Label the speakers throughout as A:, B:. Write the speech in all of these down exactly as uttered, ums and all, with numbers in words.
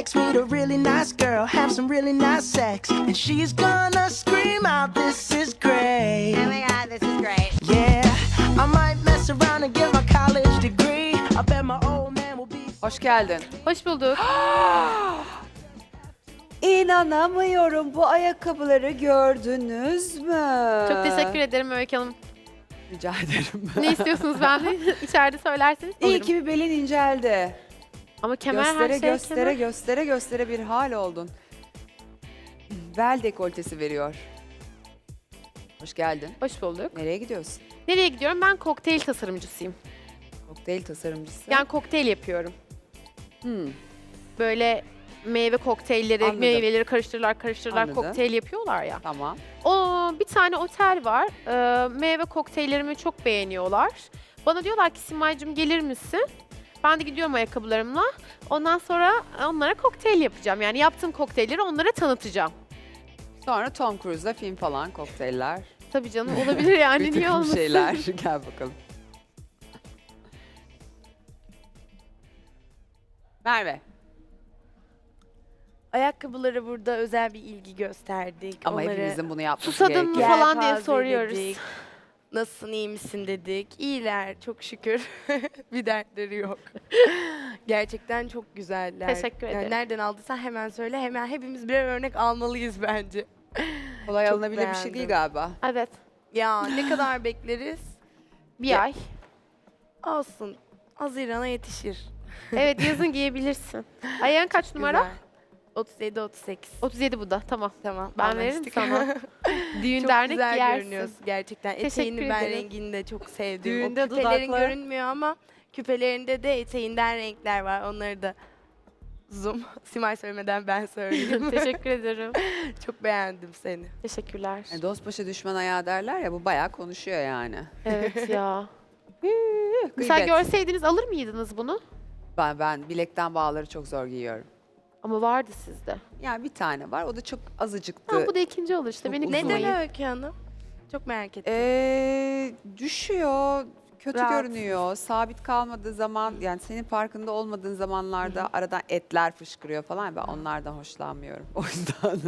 A: next, meet a really nice girl, have some really nice sex, and she's gonna scream out, this is great.
B: Oh my god, this is great.
A: Yeah, I might mess around and get my college degree. I bet my old man will be.
C: Hoş geldin.
D: Hoş bulduk.
E: İnanamıyorum, bu ayakkabıları gördünüz mü?
D: Çok teşekkür ederim Öykü Hanım.
C: Rica ederim.
D: Ne istiyorsunuz benden? İçeride söylerseniz
E: İyi
D: alırım.
E: ki bir belin inceldi.
D: Ama kemer
E: göstere
D: her şey
E: göstere
D: kemer.
E: göstere göstere bir hal oldun. Bel dekoltesi veriyor.
C: Hoş geldin.
D: Hoş bulduk.
E: Nereye gidiyorsun?
D: Nereye gidiyorum? Ben kokteyl tasarımcısıyım.
E: Kokteyl tasarımcısı.
D: Yani kokteyl yapıyorum.
E: Hmm.
D: Böyle meyve kokteylleri,
E: Anladım.
D: meyveleri karıştırırlar karıştırırlar
E: Anladım.
D: kokteyl yapıyorlar ya.
E: Tamam.
D: O bir tane otel var. Ee, meyve kokteyllerimi çok beğeniyorlar. Bana diyorlar ki Simay'cığım gelir misin? Ben de gidiyorum ayakkabılarımla. Ondan sonra onlara kokteyl yapacağım. Yani yaptığım kokteylleri onlara tanıtacağım.
E: Sonra Tom Cruise'la film falan, kokteyller.
D: Tabii canım olabilir yani
E: bir
D: niye
E: takım
D: olmasın?
E: şeyler. Gel bakalım. Merve.
B: Ayakkabılara burada özel bir ilgi gösterdik.
E: Ama
B: Onları
E: hepimizin bunu yapması
D: Susadın mı
E: gerekiyor.
D: falan diye
B: yelpaze
D: soruyoruz.
B: dedik. Nasılsın, iyi misin dedik. İyiler, çok şükür. Bir dertleri yok. Gerçekten çok güzeller.
D: Teşekkür
B: Yani
D: ederim.
B: nereden aldıysan hemen söyle. Hemen hepimiz birer örnek almalıyız bence.
E: Kolay
B: Çok
E: alınabilir bir şey
B: beğendim.
E: değil galiba.
D: Evet.
B: Ya ne kadar bekleriz?
D: Bir
B: Ya-
D: ay.
B: Olsun. Haziran'a yetişir.
D: Evet yazın giyebilirsin. Ayağın kaç numara?
B: Güzel. otuz yedi otuz sekiz.
D: otuz yedi bu da. Tamam.
B: Tamam.
D: Ben veririm
B: anlaştık.
D: sana. Düğün
B: Çok
D: dernek
B: güzel
D: giyersin.
B: görünüyorsun gerçekten.
D: Teşekkür
B: Eteğini ben
D: ederim.
B: rengini de çok sevdim.
E: Düğünde
B: o küpelerin
E: dudaklar-
B: görünmüyor ama küpelerinde de eteğinden renkler var. Onları da zoom. Simay söylemeden ben söyleyeyim.
D: Teşekkür ederim.
B: Çok beğendim seni.
D: Teşekkürler.
E: E, dost başı düşman ayağı derler ya, bu bayağı konuşuyor yani.
D: Evet ya. Mesela
E: Gıybet.
D: görseydiniz alır mıydınız bunu?
E: Ben, ben bilekten bağları çok zor giyiyorum.
D: Ama vardı sizde.
E: Yani bir tane var, o da çok azıcıktı.
D: Ha, bu da ikinci olur işte.
E: Çok
D: Beni
E: uzun.
B: Neden
D: kırmayın.
B: Öykü Hanım? Çok merak ettim.
E: Ee, düşüyor, kötü
B: Rahatsız.
E: görünüyor. Sabit kalmadığı zaman, yani senin farkında olmadığın zamanlarda aradan etler fışkırıyor falan. Ben onlardan hoşlanmıyorum. O yüzden.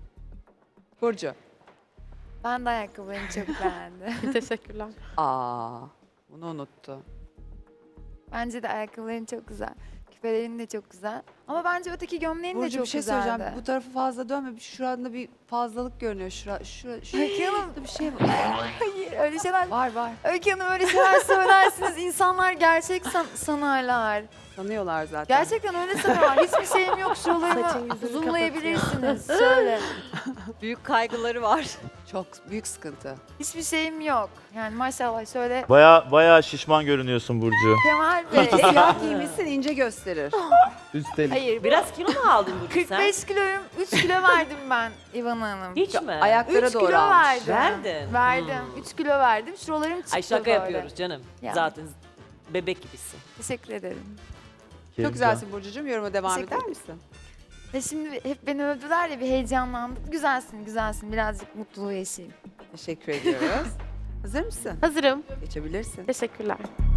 E: Burcu.
F: Ben de ayakkabılarını çok beğendim.
D: Teşekkürler.
E: Aa, bunu unuttu.
F: Bence de ayakkabıların çok güzel. Küpelerin de çok güzel. Ama bence öteki gömleğin de
E: Burcu
F: çok
E: bir şey
F: güzeldi.
E: söyleyeceğim. Bu tarafı fazla dönme. Bir- Şurada bir fazlalık görünüyor. Şura, şura, şura,
F: Öykü Hanım.
E: bir şey var.
F: Hayır öyle şeyler.
E: Var var.
F: Öykü Hanım öyle şeyler söylersiniz. İnsanlar gerçek san- sanarlar.
E: Tanıyorlar zaten.
F: Gerçekten öyle sanarlar. Hiçbir şeyim yok.
B: Saçın
F: Şuralarımı
B: yüzünü
F: zoomlayabilirsiniz. Şöyle.
E: Büyük kaygıları var. Çok büyük sıkıntı.
F: Hiçbir şeyim yok. Yani maşallah şöyle.
G: Baya baya şişman görünüyorsun Burcu.
F: Kemal Bey.
E: Siyah giymişsin, ince gösterir.
G: Üstelik.
F: Hayır.
H: Biraz kilo mu aldın Burcu
F: kırk
H: sen?
F: beş kiloyum. üç kilo verdim ben İvan Hanım.
H: Hiç mi?
E: Ayaklara
F: üç
E: doğru
F: kilo
E: almış.
F: verdim.
H: Verdin.
F: Verdim.
H: Hmm.
F: üç kilo verdim. Şuralarım çıktı
H: Ay şaka
F: böyle.
H: yapıyoruz canım.
F: Ya.
H: Zaten bebek gibisin.
F: Teşekkür ederim.
E: Çok güzelsin Burcucuğum. Yoruma devam
F: Teşekkür
E: eder misin?
F: Ve şimdi hep beni övdüler ya bir heyecanlandım. Güzelsin, güzelsin. Birazcık mutluluğu yaşayayım.
E: Teşekkür ediyoruz. Hazır mısın?
D: Hazırım.
E: Geçebilirsin.
D: Teşekkürler.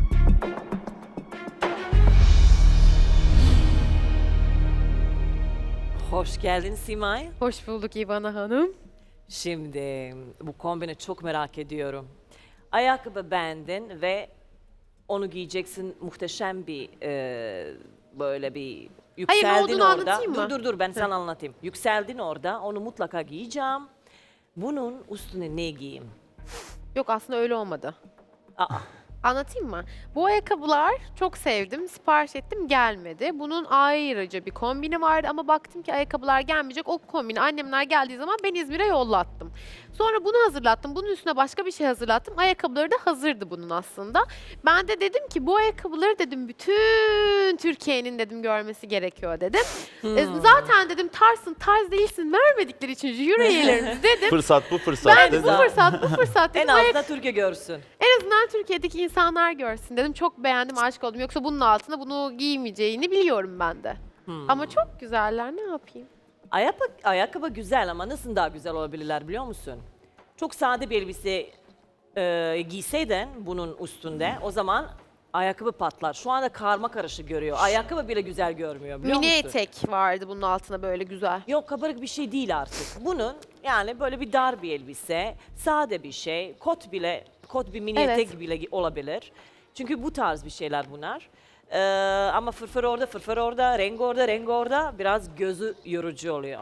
H: Hoş geldin Simay.
D: Hoş bulduk İvana Hanım.
H: Şimdi bu kombini çok merak ediyorum. Ayakkabı beğendin ve onu giyeceksin, muhteşem bir e, böyle bir yükseldin
D: olduğunu
H: orada.
D: anlatayım mı?
H: Dur dur dur ben sana anlatayım. Yükseldin orada, onu mutlaka giyeceğim. Bunun üstüne ne giyeyim?
D: Yok aslında öyle olmadı.
H: Aa,
D: Anlatayım mı? Bu ayakkabılar çok sevdim. Sipariş ettim gelmedi. Bunun ayrıca bir kombini vardı ama baktım ki ayakkabılar gelmeyecek. O kombini annemler geldiği zaman ben İzmir'e yollattım. Sonra bunu hazırlattım. Bunun üstüne başka bir şey hazırlattım. Ayakkabıları da hazırdı bunun aslında. Ben de dedim ki bu ayakkabıları dedim bütün Türkiye'nin dedim görmesi gerekiyor dedim. E, zaten dedim tarsın tarz değilsin vermedikleri için jüri üyelerimiz dedim.
G: Fırsat bu fırsat
D: Ben de
G: dedim.
D: bu fırsat bu fırsat
H: en
D: dedim. Ayak-
H: azından Türkiye görsün.
D: en azından Türkiye'deki insanlar görsün dedim. Çok beğendim, aşık oldum. Yoksa bunun altına bunu giymeyeceğini biliyorum ben de.
H: Hmm.
D: Ama çok güzeller, ne yapayım?
H: Ayakkabı, ayakkabı güzel ama nasıl daha güzel olabilirler biliyor musun? Çok sade bir elbise e, giyseydin bunun üstünde o zaman ayakkabı patlar. Şu anda karma karışık görüyor. Ayakkabı bile güzel görmüyor biliyor
D: Mini
H: musun?
D: etek vardı bunun altına böyle güzel.
H: Yok kabarık bir şey değil artık. Bunun yani böyle bir dar bir elbise, sade bir şey, kot bile, kot bir mini
D: Evet.
H: etek bile olabilir. Çünkü bu tarz bir şeyler bunlar. Ee, ama fırfır orada, fırfır orada, renk orada, renk orada biraz gözü yorucu oluyor.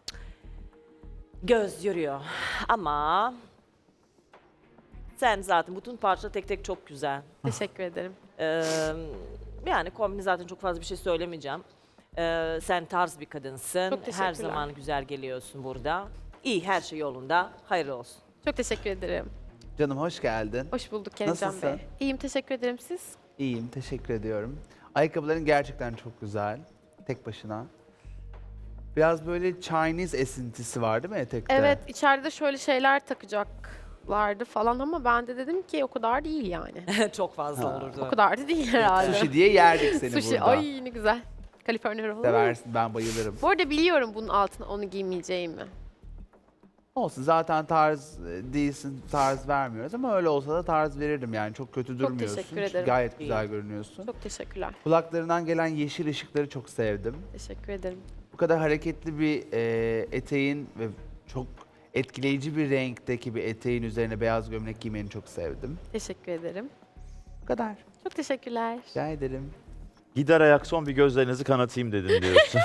H: Göz yoruyor. Ama sen zaten bütün parça tek tek çok güzel.
D: Teşekkür ederim.
H: Ee, yani kombini zaten çok fazla bir şey söylemeyeceğim. Ee, sen tarz bir kadınsın.
D: Çok
H: Her
D: teşekkürler.
H: zaman güzel geliyorsun burada. İyi, her şey yolunda. Hayırlı olsun.
D: Çok teşekkür ederim.
I: Canım hoş geldin.
D: Hoş bulduk Keremcan
I: Nasılsın?
D: Bey. İyiyim, teşekkür ederim. Siz?
I: İyiyim, teşekkür ediyorum. Ayakkabıların gerçekten çok güzel. Tek başına. Biraz böyle Chinese esintisi var değil mi etekte?
D: Evet, içeride şöyle şeyler takacaklardı falan ama ben de dedim ki o kadar değil yani.
H: çok fazla
I: Ha.
H: olurdu.
D: O kadar da değil herhalde.
I: Sushi diye yerdik seni
D: Sushi,
I: burada.
D: ay ne güzel. Kaliforniya rollu.
I: Seversin, ben bayılırım.
D: Bu arada biliyorum bunun altına onu giymeyeceğimi.
I: Olsun, zaten tarz e, değilsin, tarz vermiyoruz ama öyle olsa da tarz verirdim yani. Çok kötü durmuyorsun.
D: teşekkür
I: Çünkü
D: ederim.
I: Gayet güzel
H: İyi.
I: görünüyorsun.
D: Çok teşekkürler.
I: Kulaklarından gelen yeşil ışıkları çok sevdim.
D: Teşekkür ederim.
I: Bu kadar hareketli bir e, eteğin ve çok etkileyici bir renkteki bir eteğin üzerine beyaz gömlek giymeni çok sevdim.
D: Teşekkür ederim.
I: Bu kadar.
D: Çok teşekkürler.
I: Rica ederim.
G: Gider ayak son bir gözlerinizi kanatayım dedin diyorsun.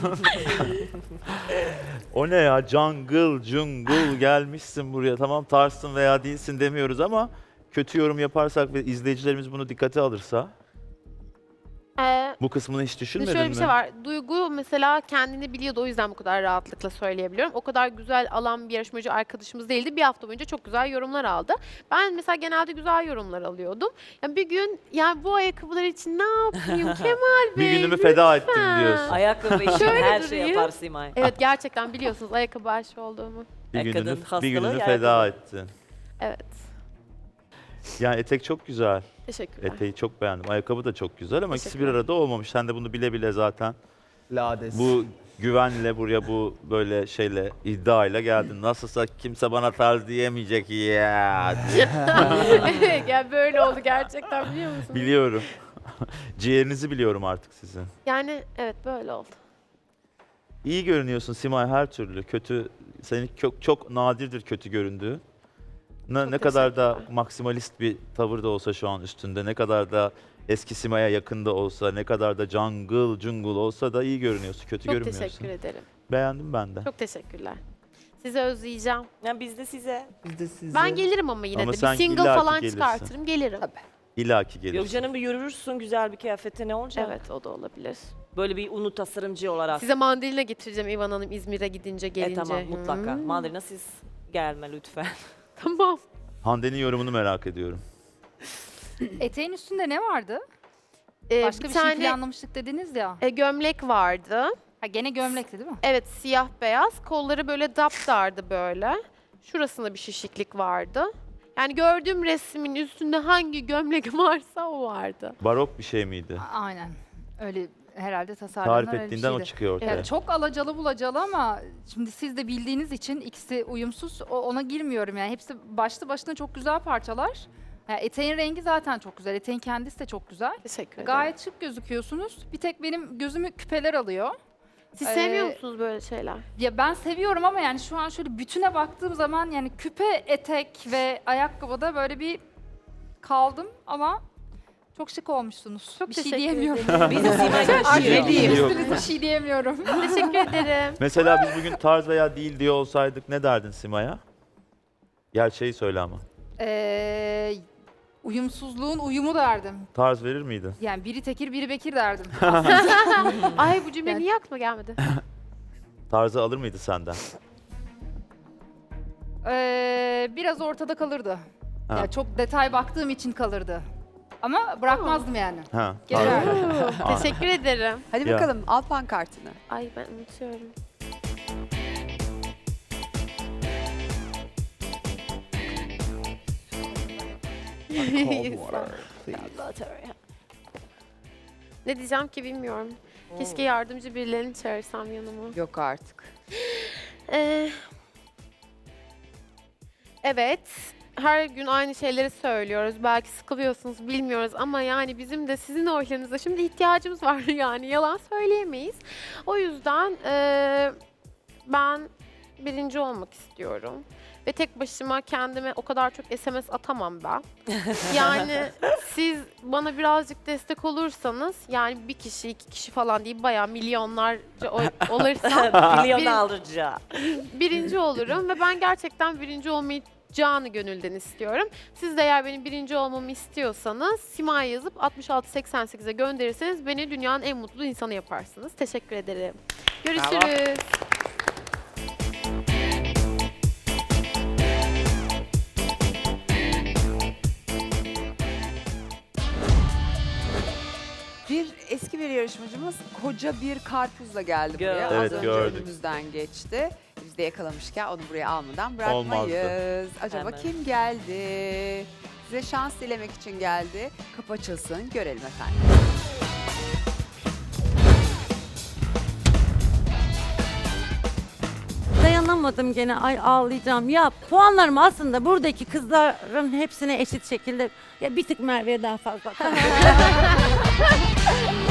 G: O ne ya? Jungle, jungle gelmişsin buraya. Tamam tarzsın veya değilsin demiyoruz ama kötü yorum yaparsak ve izleyicilerimiz bunu dikkate alırsa
D: Ee,
G: bu kısmını hiç
D: Şimdi
G: düşünmedin
D: şöyle
G: mi?
D: bir şey var. Duygu mesela kendini biliyordu, o yüzden bu kadar rahatlıkla söyleyebiliyorum. O kadar güzel alan bir yarışmacı arkadaşımız değildi. Bir hafta boyunca çok güzel yorumlar aldı. Ben mesela genelde güzel yorumlar alıyordum. Yani bir gün yani bu ayakkabılar için ne yapayım Kemal Bey?
G: Bir günümü feda ettim
D: lütfen.
G: diyorsun.
H: Ayakkabı için
D: Şöyle
H: her şey
D: durayım.
H: yapar Simay.
D: Evet, gerçekten biliyorsunuz ayakkabı aşığı olduğumu.
G: Bir
H: E,
G: gününü,
H: kadın hastalığı
G: bir gününü
H: yani.
G: feda ettin.
D: Evet.
G: Yani etek çok güzel.
D: Teşekkürler.
G: Eteği çok beğendim. Ayakkabı da çok güzel ama ikisi bir
D: Teşekkürler.
G: arada olmamış. Sen de bunu bile bile zaten
I: Lades.
G: bu güvenle buraya bu böyle şeyle iddiayla geldin. Nasılsa kimse bana tarz diyemeyecek ya.
D: yani böyle oldu gerçekten, biliyor musunuz?
G: Biliyorum. Ciğerinizi biliyorum artık sizin.
D: Yani evet, böyle oldu.
G: İyi görünüyorsun Simay her türlü. Kötü, senin çok, çok nadirdir kötü göründüğü. Ne,
D: Çok
G: ne kadar da
D: teşekkürler.
G: maksimalist bir tavır da olsa şu an üstünde, ne kadar da eski Simay'a yakında olsa, ne kadar da jungle jungle olsa da iyi görünüyorsun, kötü
D: Çok
G: görünmüyorsun.
D: teşekkür ederim.
G: Beğendim ben de.
D: Çok teşekkürler. Sizi özleyeceğim.
H: Yani biz de size.
I: Biz de size...
D: Ben gelirim ama yine
G: Ama
D: de.
G: sen
D: Bir single
G: illaki
D: falan
G: gelirsin.
D: çıkartırım, gelirim.
G: İlla ki gelirsin.
H: Yok canım bir yürürsün güzel bir kıyafette ne olacak?
D: Evet, o da olabilir.
H: Böyle bir unu tasarımcı olarak.
D: Size mandalina getireceğim İvan Hanım, İzmir'e gidince,
H: E
D: gelince.
H: tamam mutlaka.
D: Hmm.
H: Mandalina siz gelme lütfen.
D: Tamam.
G: Hande'nin yorumunu merak ediyorum.
J: Eteğin üstünde ne vardı?
D: Ee,
J: Başka
D: bir
J: bir,
D: tane
J: şey planlamıştık dediniz ya.
D: e, gömlek vardı.
J: Ha gene gömlekti değil mi?
D: Evet, siyah beyaz. Kolları böyle daptardı böyle. Şurasında bir şişiklik vardı. Yani gördüğüm resmin üstünde hangi gömlek varsa o vardı.
G: Barok bir şey miydi?
J: A- Aynen. Öyle herhalde tasarlanan
G: Tarif
J: öyle bir
G: ettiğinden o
J: şeydi.
G: çıkıyor ortaya.
J: Yani çok alacalı bulacalı ama şimdi siz de bildiğiniz için ikisi uyumsuz, o- ona girmiyorum yani. Hepsi başlı başına çok güzel parçalar. Yani eteğin rengi zaten çok güzel. Eteğin kendisi de çok güzel.
D: Teşekkür ederim.
J: Gayet şık gözüküyorsunuz. Bir tek benim gözümü küpeler alıyor.
D: Siz
J: Ee,
D: sevmiyor musunuz böyle şeyler?
J: Ya ben seviyorum ama yani şu an şöyle bütüne baktığım zaman yani küpe, etek ve ayakkabıda böyle bir kaldım ama çok şık olmuşsunuz.
D: Çok
J: bir şey
D: teşekkür
J: diyemiyorum.
D: ederim.
H: Biz de Simay
J: Ne diyeyim?
G: Yok.
J: Üstünüze bir şey diyemiyorum.
D: Teşekkür ederim.
G: Mesela biz bugün tarz veya değil diye olsaydık ne derdin Simay'a? Gerçeği söyle ama.
J: Ee, uyumsuzluğun uyumu derdim.
G: Tarz verir miydin?
J: Yani biri tekir biri bekir derdim.
D: Ay, bu cümle
J: Yani-
D: niye aklıma gelmedi?
G: Tarzı alır mıydı senden?
J: Ee, biraz ortada kalırdı.
G: Ha.
J: Yani çok detay baktığım için kalırdı. Ama bırakmazdım yani.
G: Ha.
J: Gene
G: tarz-
J: öyle.
G: Aa.
D: Teşekkür ederim.
E: Hadi
G: Ya.
E: bakalım al pankartını.
D: Ay, ben unutuyorum. Ne diyeceğim ki bilmiyorum. Keşke yardımcı birilerini çağırsam yanıma.
E: Yok artık.
D: Ee, evet. her gün aynı şeyleri söylüyoruz. Belki sıkılıyorsunuz, bilmiyoruz ama yani bizim de sizin oylarınıza şimdi ihtiyacımız var yani yalan söyleyemeyiz. O yüzden eee, ben birinci olmak istiyorum. Ve tek başıma kendime o kadar çok S M S atamam ben. Yani siz bana birazcık destek olursanız yani bir kişi, iki kişi falan değil bayağı milyonlarca oy olursam
H: Milyon
D: bir-
H: alırca.
D: birinci olurum ve ben gerçekten birinci olmayı canı gönülden istiyorum. Siz de eğer benim birinci olmamı istiyorsanız Simay yazıp altmış altı seksen sekize gönderirseniz beni dünyanın en mutlu insanı yaparsınız. Teşekkür ederim. Görüşürüz.
E: Bir eski bir yarışmacımız koca bir karpuzla geldi buraya.
H: Gördük.
E: Az
G: Evet,
E: önce
G: gördük.
E: önümüzden geçti. Biz de yakalamışken onu buraya almadan bırakmayız.
G: Olmazdı.
E: Acaba
H: Hemen.
E: kim geldi? Size şans dilemek için geldi. Kapı açılsın, görelim efendim.
K: Dayanamadım gene, ay ağlayacağım. Ya puanlarım aslında buradaki kızların hepsine eşit şekilde, ya bir tık Merve'ye daha fazla.